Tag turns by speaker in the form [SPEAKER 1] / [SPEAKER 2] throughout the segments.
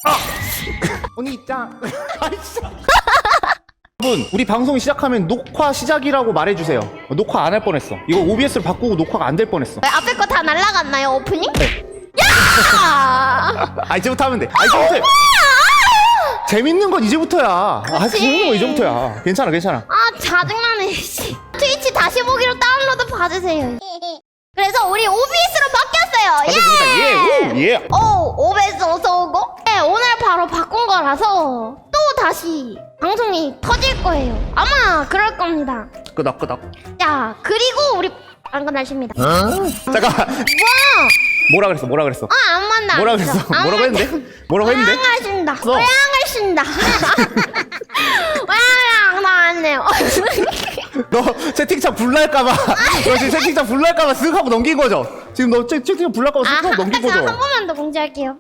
[SPEAKER 1] 언니 입장. 여러분, 우리 방송 시작하면 녹화 시작이라고 말해주세요. 녹화 안 할 뻔했어. 이거 OBS로 바꾸고 녹화가 안 될 뻔했어.
[SPEAKER 2] 왜 앞에 거 다 날라갔나요, 오프닝?
[SPEAKER 1] 네.
[SPEAKER 2] 야!
[SPEAKER 1] 이제부터 하면 돼. 이제부터. 재밌는 건 이제부터야. 재밌는 건 이제부터야. 괜찮아, 괜찮아.
[SPEAKER 2] 짜증나네. 씨. 트위치 다시 보기로 다운로드 받으세요. 그래서 우리 OBS로 바뀌었어요.
[SPEAKER 1] 반갑습니다. 예.
[SPEAKER 2] OBS 어서 오고. 네, 오늘 바로 바꾼 거라서 또 다시 방송이 터질 거예요. 아마 그럴 겁니다.
[SPEAKER 1] 끄덕끄덕.
[SPEAKER 2] 자, 그리고 우리 안건 날씨입니다.
[SPEAKER 1] 잠깐. 뭐라 그랬어?
[SPEAKER 2] 안 만나.
[SPEAKER 1] 뭐라 그랬어? 뭐라고 했는데? 뭐라고 했는데?
[SPEAKER 2] 고양하신다.
[SPEAKER 1] 써.
[SPEAKER 2] 고양하신다. 고양이랑 나왔네요.
[SPEAKER 1] 너 채팅창 불날까봐. 너 지금 채팅창 불날까봐 쓱 하고 넘긴 거죠? 지금 너 채팅창 불날까봐 쓱 하고 넘긴 거죠?
[SPEAKER 2] 한 번만 더 공지할게요.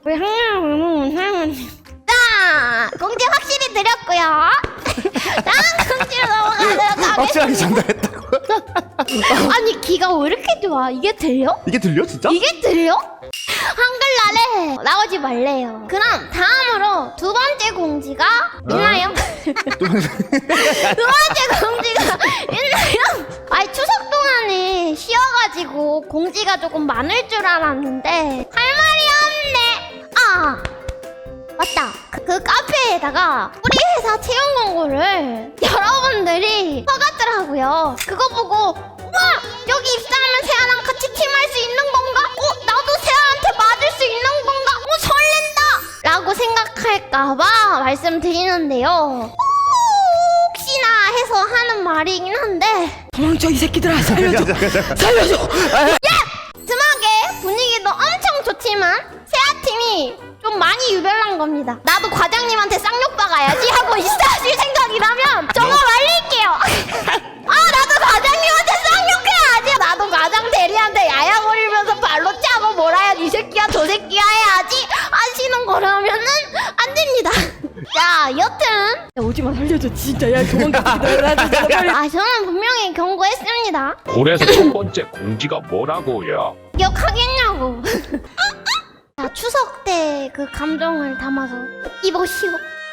[SPEAKER 2] 자, 공지 확실히 드렸고요. 다음 공지로 넘어가도록 하겠습니다.
[SPEAKER 1] 확실하게 전달했다고.
[SPEAKER 2] 아니, 귀가 왜 이렇게 좋아? 이게 들려?
[SPEAKER 1] 이게 들려 진짜?
[SPEAKER 2] 이게 들려? 한글날에 나오지 말래요. 그럼 다음으로 두 번째 공지가 있나요? 두 번째 공지가 있나요? 아니, 추석 동안에 쉬어가지고 공지가 조금 많을 줄 알았는데 할 말이 없네. 맞다. 그 카페에다가 우리 회사 채용 공고를 여러분들이 써갔더라고요. 그거 보고 와, 여기 입사하면 세아랑 같이 팀할 수 있는 건가? 나도 세아한테 맞을 수 있는 건가? 설렌다! 라고 생각할까봐 말씀드리는데요. 혹시나 해서 하는 말이긴 한데
[SPEAKER 3] 도망쳐 이 새끼들아. 살려줘. 살려줘.
[SPEAKER 2] 틈하게 분위기도 엄청 좋지만 세아팀이 좀 많이 유별난 겁니다. 나도 과장님한테 쌍욕 박아야지 하고 있으실 생각이라면 저거 말릴게요. 나도 과장님한테 쌍욕해야지. 나도 과장 대리한테 야야거리면서 발로 차고 뭐라야 이 새끼야 저 새끼야 해야지 하시는 거라면은 안 됩니다. 자, 여튼
[SPEAKER 3] 야, 오지마 살려줘 진짜. 야 도망가.
[SPEAKER 2] 저는 분명히 경고했습니다.
[SPEAKER 4] 그래서 첫 번째 공지가 뭐라고요?
[SPEAKER 2] 기억하겠냐고. 자, 추석 때 그 감정을 담아서 이보시오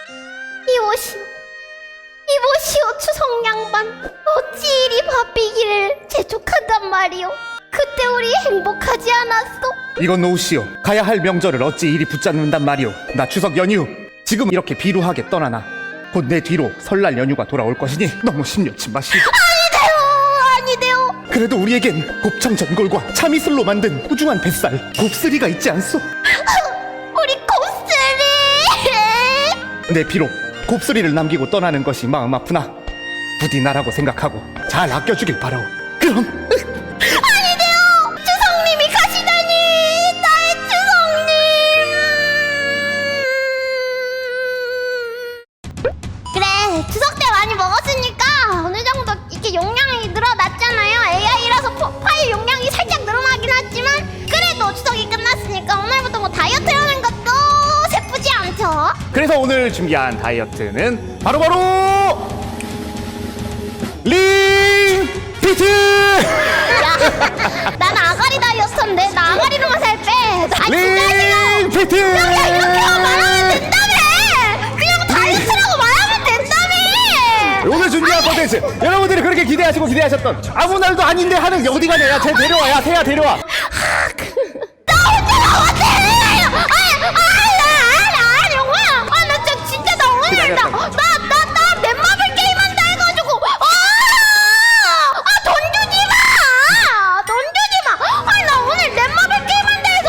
[SPEAKER 2] 추석 양반, 어찌 이리 바삐기를 재촉한단 말이오. 그때 우리 행복하지 않았어?
[SPEAKER 1] 이건 노우시오. 가야 할 명절을 어찌 이리 붙잡는단 말이오. 나 추석 연휴 지금 이렇게 비루하게 떠나나 곧 내 뒤로 설날 연휴가 돌아올 것이니 너무 심려치 마시오.
[SPEAKER 2] 아니대요.
[SPEAKER 1] 그래도 우리에겐 곱창 전골과 참이슬로 만든 소중한 뱃살 곱슬이가 있지 않소?
[SPEAKER 2] 우리 곱슬이.
[SPEAKER 1] 내 비록 곱슬이를 남기고 떠나는 것이 마음 아프나 부디 나라고 생각하고 잘 아껴주길 바라오. 그럼
[SPEAKER 2] 아니대요. 추석님이 가시다니. 나의 추석님. 그래, 추석 때 많이 먹었으니까 어느 정도 이렇게 용량이 늘어났잖아요. AI라서 파일 용량이 살짝 늘어나긴 했지만 그래도 추석이 끝났으니까 오늘부터 뭐 다이어트 하는 것도 세쁘지 않죠?
[SPEAKER 1] 그래서 오늘 준비한 다이어트는 바로바로 링 피트.
[SPEAKER 2] 야, 난 아가리 다이어트인데 나 아가리로만 살 빼. 진짜 싫어.
[SPEAKER 1] 링 피트.
[SPEAKER 2] 야, 이렇게만 말하면 된다며. 그냥 다이어트라고 말하면 된다며.
[SPEAKER 1] 오늘 준비한 콘텐츠 여러분들이 그렇게 기대하시고 기대하셨던 아무 날도 아닌데 하는 게 어디 가냐. 야, 쟤 데려와. 야, 세야 데려와.
[SPEAKER 2] 나 혼자 나왔대. 나 진짜 나 오늘다. 나 넷마블 게임한다 해가지고. 돈 주지 마. 돈 주지 마. 나 오늘 넷마블 게임한다 해서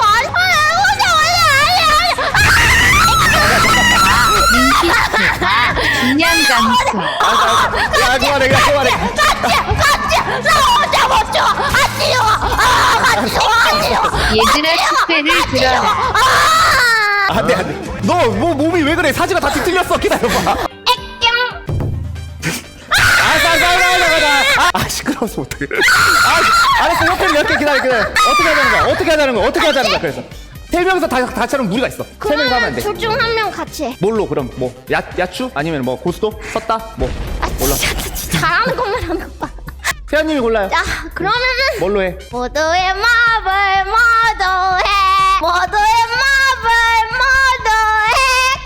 [SPEAKER 5] 중량 감소.
[SPEAKER 1] 야, 그만해.
[SPEAKER 2] 같이. 나 혼자 못 줘. 같이 줘.
[SPEAKER 5] 얘들아 축배를 들어라.
[SPEAKER 1] 안돼. 너 뭐 몸이 왜 그래? 사지가 다 뒤틀렸어. 기다려봐. 알았어. 시끄러워서 못해. 알았어. 옆에 몇 개 기다려. 어떻게 하자는 거야? 그래서 세 명이서 다 차는 무리가 있어. 세 명이서 하면 안 돼.
[SPEAKER 2] 둘 중 한 명 같이 해.
[SPEAKER 1] 뭘로 그럼 뭐 야추 아니면 뭐 고스톱 섰다 뭐 몰라.
[SPEAKER 2] 진짜 잘하는 것만 하는 거 봐.
[SPEAKER 1] 세아님이 골라요.
[SPEAKER 2] 자, 그러면은
[SPEAKER 1] 뭘로 해?
[SPEAKER 2] 모두의 마블 모두해. 모두의 마블 모두해.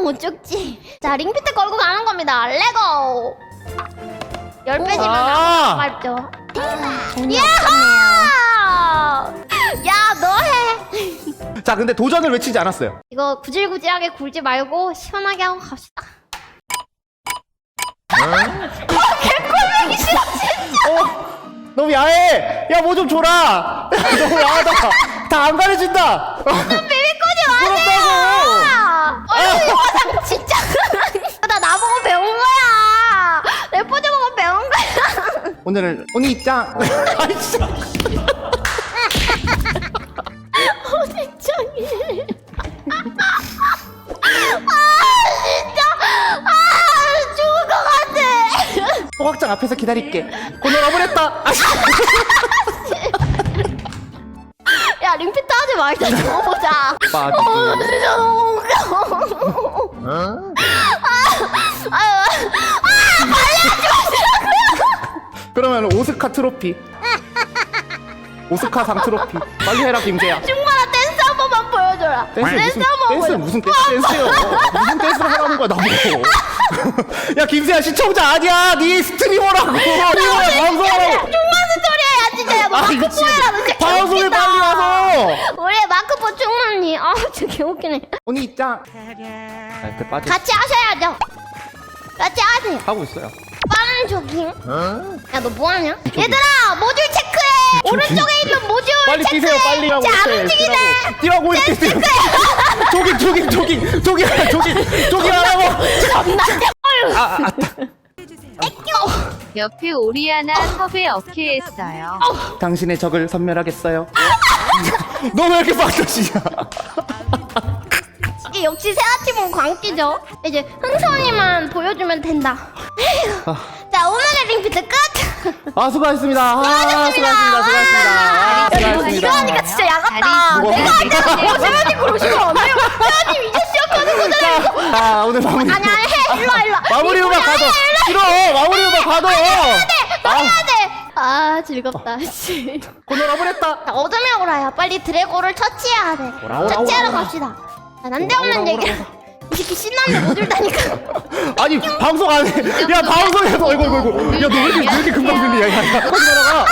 [SPEAKER 2] 못 죽지. 자, 링피트 걸고 가는 겁니다. 레고. 10배 지면 아깝죠. 야호! 야, 너 해.
[SPEAKER 1] 자, 근데 도전을 외치지 않았어요.
[SPEAKER 2] 이거 구질구질하게 굴지 말고 시원하게 하고 갑시다. 개꿀뱅이 싫어.
[SPEAKER 1] 너무 야해. 야, 뭐 좀 줘라. 너무 야하다. 다 안 가려진다.
[SPEAKER 2] 비비꼬지 마세요. 이거 화장 진짜. 나 나보고 배운 거야. 레포즈 보고 배운 거야.
[SPEAKER 1] 오늘은 언니 짱. 아이 진짜.
[SPEAKER 2] 진짜이. 죽을 것 같아.
[SPEAKER 1] 소각장 앞에서 기다릴게. 오늘 와버렸다.
[SPEAKER 2] 야, 링피트 하지 말자. 죽어보자.
[SPEAKER 1] 빠지고.
[SPEAKER 2] 진짜 너무 웃겨.
[SPEAKER 1] 그러면 오스카 트로피. 오스카상 트로피. 빨리 해라 김재야.
[SPEAKER 2] 충만한 댄스 한 번만 보여줘라.
[SPEAKER 1] 댄스
[SPEAKER 2] 한번 보여줘.
[SPEAKER 1] 무슨 댄스요? 무슨 댄스를 하라는 거야 나보고. 야 김세야 시청자 아니야. 네 스트리머라고. 스트리머야 방송하라고.
[SPEAKER 2] 충만한 소리 해야 진짜. 야, 너
[SPEAKER 1] 아,
[SPEAKER 2] 마크
[SPEAKER 1] 미친.
[SPEAKER 2] 포해라. 너 진짜
[SPEAKER 1] 방송에
[SPEAKER 2] 개웃기다.
[SPEAKER 1] 빨리 와서.
[SPEAKER 2] 우리 마크포 충만이. 아, 진짜 개웃기네.
[SPEAKER 1] 언니 짱. 아, 이렇게 빠져.
[SPEAKER 2] 같이 하셔야죠. 같이 하세요.
[SPEAKER 1] 하고 있어요.
[SPEAKER 2] 빠른 조깅. 야, 너 뭐하냐? 얘들아, 모듈 체크해. 오른쪽에 있는 모듈
[SPEAKER 1] 빨리
[SPEAKER 2] 체크해.
[SPEAKER 1] 뛰세요. 빨리 하고.
[SPEAKER 2] 자, 안
[SPEAKER 1] 이렇게
[SPEAKER 2] 움직이네.
[SPEAKER 1] 뛰라고 이렇게 뛰어. 조깅 하라고.
[SPEAKER 5] 옆에 오리아나 섭외 어케했어요.
[SPEAKER 1] 당신의 적을 선멸하겠어요. 너 왜 이렇게 빡쳐지냐?
[SPEAKER 2] 이게 역시 세아팀은 광기죠. 이제 흥선이만 보여주면 된다. 자, 오늘의 링피트 끝.
[SPEAKER 1] 아 수고하셨습니다. 아, 수고하셨습니다.
[SPEAKER 2] 이거 하니까 진짜 야같다.
[SPEAKER 1] 뭐.
[SPEAKER 2] 내가 세아님 그러시면 안 돼요. 세아님 이제 시작하는 거잖아요.
[SPEAKER 1] 자 오늘 마무리.
[SPEAKER 2] 아니야, 해. 일로 와, 일로 와.
[SPEAKER 1] 마무리 음악 가도. 싫어. 마무리 음악 가도.
[SPEAKER 2] 너 해야 돼. 아, 즐겁다. 씨.
[SPEAKER 1] 오늘 와버렸다.
[SPEAKER 2] 자, 어둠의 오라야. 빨리 드래곤을 처치해야 돼.
[SPEAKER 1] 오라,
[SPEAKER 2] 처치하러
[SPEAKER 1] 오라.
[SPEAKER 2] 갑시다. 자, 난데없는 얘기야. 이 새끼 신나는데 못 들다니까.
[SPEAKER 1] 아니 방송 안 해. 야 방송에서 어이구. 야 너 왜 이렇게 금방 들리냐? 야 빨리 들어가.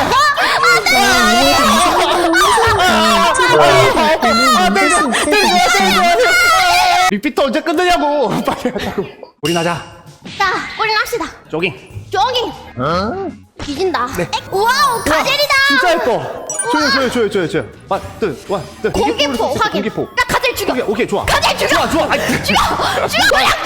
[SPEAKER 1] 리피터 언제 끝내냐고. 빨리 하자고. 우리 나자.
[SPEAKER 2] 자, 우리 합시다.
[SPEAKER 1] 조깅.
[SPEAKER 2] 조깅. 뒤진다. 와우, 가젤이다.
[SPEAKER 1] 진짜 예뻐. 조여. 와,
[SPEAKER 2] 공기포 확인.
[SPEAKER 1] 공기포.
[SPEAKER 2] 야, 가젤 죽여.
[SPEAKER 1] 오케이 좋아.
[SPEAKER 2] 가젤 죽여.
[SPEAKER 1] 좋아. 아이,
[SPEAKER 2] 죽여. 그냥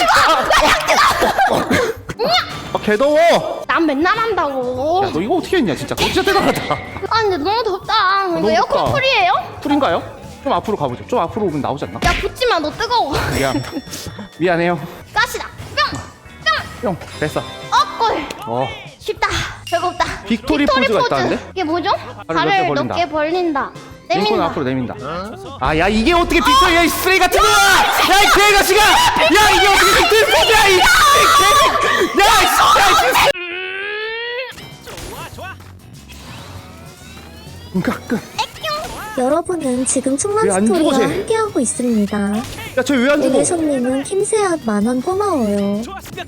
[SPEAKER 2] 죽어.
[SPEAKER 1] 아 개더워.
[SPEAKER 2] 난 맨날 한다고.
[SPEAKER 1] 야, 너 이거 어떻게 했냐 진짜. 진짜 대단하다.
[SPEAKER 2] 아, 근데 너무 덥다. 이거
[SPEAKER 1] 너무
[SPEAKER 2] 에어컨
[SPEAKER 1] 덥다.
[SPEAKER 2] 풀이에요?
[SPEAKER 1] 풀인가요? 좀 앞으로 가보죠. 좀 앞으로 오면 나오지 않나?
[SPEAKER 2] 야, 붙지 마. 너 뜨거워.
[SPEAKER 1] 미안해요.
[SPEAKER 2] 가시다. 뿅.
[SPEAKER 1] 형 됐어.
[SPEAKER 2] 꿀. 쉽다. 별거 없다.
[SPEAKER 1] 빅토리 포즈가 있다는데?
[SPEAKER 2] 이게 뭐죠?
[SPEAKER 1] 발을
[SPEAKER 2] 발을
[SPEAKER 1] 넓게
[SPEAKER 2] 넓게 벌린다.
[SPEAKER 1] 링콘
[SPEAKER 2] 내민다.
[SPEAKER 1] 앞으로 내민다. 아, 야 이게 어떻게 빅토리? 야 이 쓰레기 같은 거야! 야 이 개가시가! 야 이게 어떻게 빅토리 포즈야! 이 개! 야 이! 끝.
[SPEAKER 6] 여러분은 지금 충남
[SPEAKER 1] 왜안
[SPEAKER 6] 스토리와
[SPEAKER 1] 죽어, 쟤?
[SPEAKER 6] 함께하고 있습니다.
[SPEAKER 1] 야 쟤 왜 안 죽어?
[SPEAKER 6] 에레손님은 킴세앗 만원 고마워요.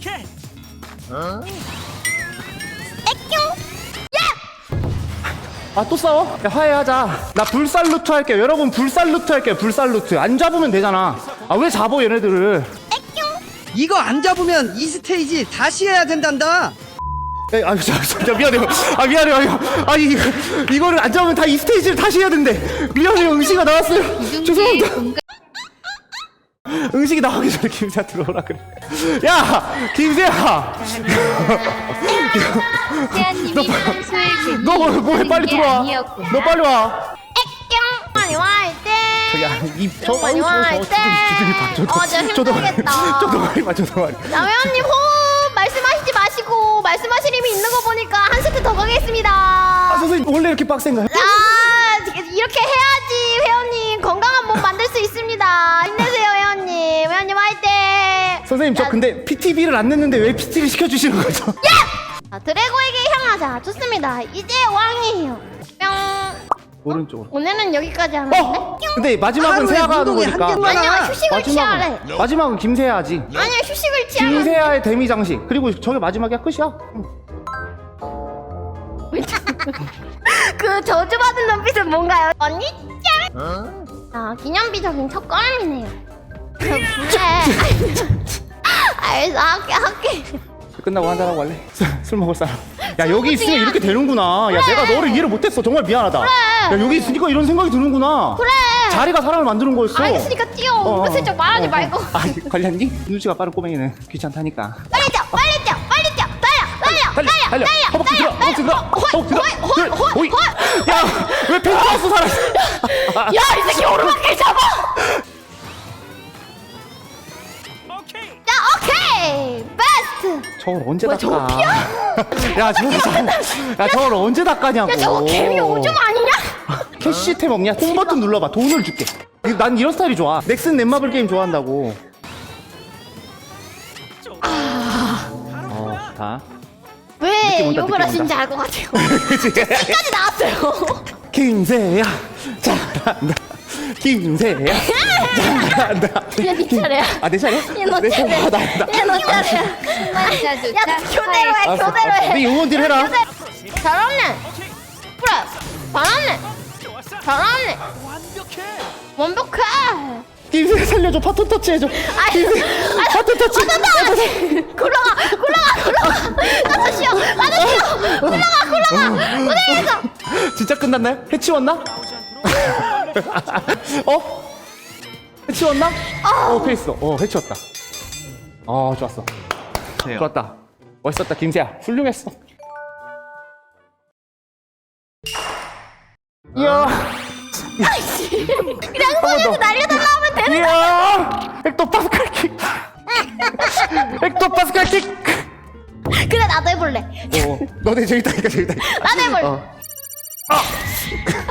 [SPEAKER 1] 아 또 싸워? 야 화해하자. 나 불살루트 할게요. 여러분 불살루트 할게요. 불살루트. 안 잡으면 되잖아. 아 왜 잡어 얘네들을?
[SPEAKER 7] 이거 안 잡으면 이 스테이지 다시 해야 된단다.
[SPEAKER 1] 야, 미안해요. 아 미안해요. 아니 이거를 안 잡으면 다 이 스테이지를 다시 해야 된대. 미안해요. 응시가 나왔어요. 죄송합니다. 응식이 나가기 전에 김세아 들어오라 그래. 야 김세아.
[SPEAKER 5] 세아님이 평소에
[SPEAKER 1] 너 뭐해 빨리 들어와. 너 빨리 와.
[SPEAKER 2] 많이 와있대.
[SPEAKER 1] 입저
[SPEAKER 2] 많이 와있대. 저 힘들겠다.
[SPEAKER 1] 저도 많이 봐.
[SPEAKER 2] 남회원님 호흡 말씀하시지 마시고 말씀하실 힘이 있는 거 보니까 한 세트 더 가겠습니다.
[SPEAKER 1] 아 선생님 원래 이렇게 빡센가요?
[SPEAKER 2] 이렇게 해야지 회원님 건강한 몸 만들 수 있습니다. 힘내세요 회원님. 회원님 화이팅.
[SPEAKER 1] 선생님 저 근데 PTB를 안 냈는데 왜 PT를 시켜주시는 거죠?
[SPEAKER 2] 자, 드래고에게 향하자. 좋습니다. 이제 왕이에요. 뿅.
[SPEAKER 1] 오른쪽으로.
[SPEAKER 2] 오늘은 여기까지 하는데?
[SPEAKER 1] 근데 마지막은
[SPEAKER 7] 하루에
[SPEAKER 1] 세아가 하는
[SPEAKER 7] 운동이 한
[SPEAKER 1] 거니까.
[SPEAKER 7] 개만
[SPEAKER 2] 아니야
[SPEAKER 7] 하나.
[SPEAKER 2] 휴식을 취하래.
[SPEAKER 1] 마지막은 김세아 하지.
[SPEAKER 2] 아니야 휴식을 취하래.
[SPEAKER 1] 김세아의 데미 장식. 그리고 저게 마지막이야 끝이야.
[SPEAKER 2] 그 저주받은 눈빛은 뭔가요? 언니 짱! 아 기념비적인 첫걸음이네요. 그래. 알겠어 할게.
[SPEAKER 1] 끝나고 한잔하고 갈래? 술 먹을 사람. 야 여기 있으면 이렇게 되는구나. 야 내가 너를 이해를 못했어. 정말 미안하다. 야 여기 있으니까 이런 생각이 드는구나.
[SPEAKER 2] 그래.
[SPEAKER 1] 자리가 사람을 만드는 거였어.
[SPEAKER 2] 알겠으니까 뛰어. 은근슬쩍 말하지 말고.
[SPEAKER 1] 아 관련니? 눈치가 빠른 꼬맹이는 귀찮다니까.
[SPEAKER 2] 빨리 뛰어 빨리 뛰어 달려
[SPEAKER 1] 허벅지 들어 허벅지 들어. 호이. 야왜 펜트하우스 살았어?
[SPEAKER 2] 야이 새끼 오르막길 잡아. 야 오케이 베스트.
[SPEAKER 1] 저걸 언제
[SPEAKER 2] 뭐야,
[SPEAKER 1] 닦아?
[SPEAKER 2] 저거
[SPEAKER 1] 야 저걸 언제 닦아냐고.
[SPEAKER 2] 야 저거 개미 오줌 아니냐?
[SPEAKER 1] 캐시템 없냐? 홈 버튼 눌러봐. 돈을 줄게. 난 이런 스타일이 좋아. 넥슨 넷마블 게임 좋아한다고. 다.
[SPEAKER 2] 왜
[SPEAKER 1] 느낌 온다,
[SPEAKER 2] 욕을
[SPEAKER 1] 느낌
[SPEAKER 2] 하신지
[SPEAKER 1] 온다.
[SPEAKER 2] 알 것 같아요. 끝까지 나왔어요.
[SPEAKER 1] 김세야 잘한다. 김세야 잘한다.
[SPEAKER 2] 야, 네 차례야.
[SPEAKER 1] 아 내 차례?
[SPEAKER 2] 얘 너
[SPEAKER 1] 내
[SPEAKER 2] 차례야.
[SPEAKER 1] 차례.
[SPEAKER 2] 얘 너 차례야. 야 교대로 해
[SPEAKER 1] 알았어.
[SPEAKER 2] 교대로 해.
[SPEAKER 1] 네 응원딜 해라.
[SPEAKER 2] 잘하네. 그래 잘하네. 잘하네. 완벽해.
[SPEAKER 1] 김세야 살려줘. 파토 터치 해줘. 김세야 파토 터치.
[SPEAKER 2] 굴러가. 가서 쉬어. 굴러가. 무대에서.
[SPEAKER 1] 진짜 끝났나요? 해치웠나? 어? 해치웠나? 패했어. 해치웠다. 좋았어. 좋았다. 멋있었다 김세야. 훌륭했어. 이야.
[SPEAKER 2] 그냥 손에서 날려달라 하면 되는.
[SPEAKER 1] 이야. 헥토 파스칼 킥. 헥토 파스칼 킥.
[SPEAKER 2] 그래 나도 해볼래.
[SPEAKER 1] 너네 저기 있다니까 저기 있다.
[SPEAKER 2] 나도 해볼래.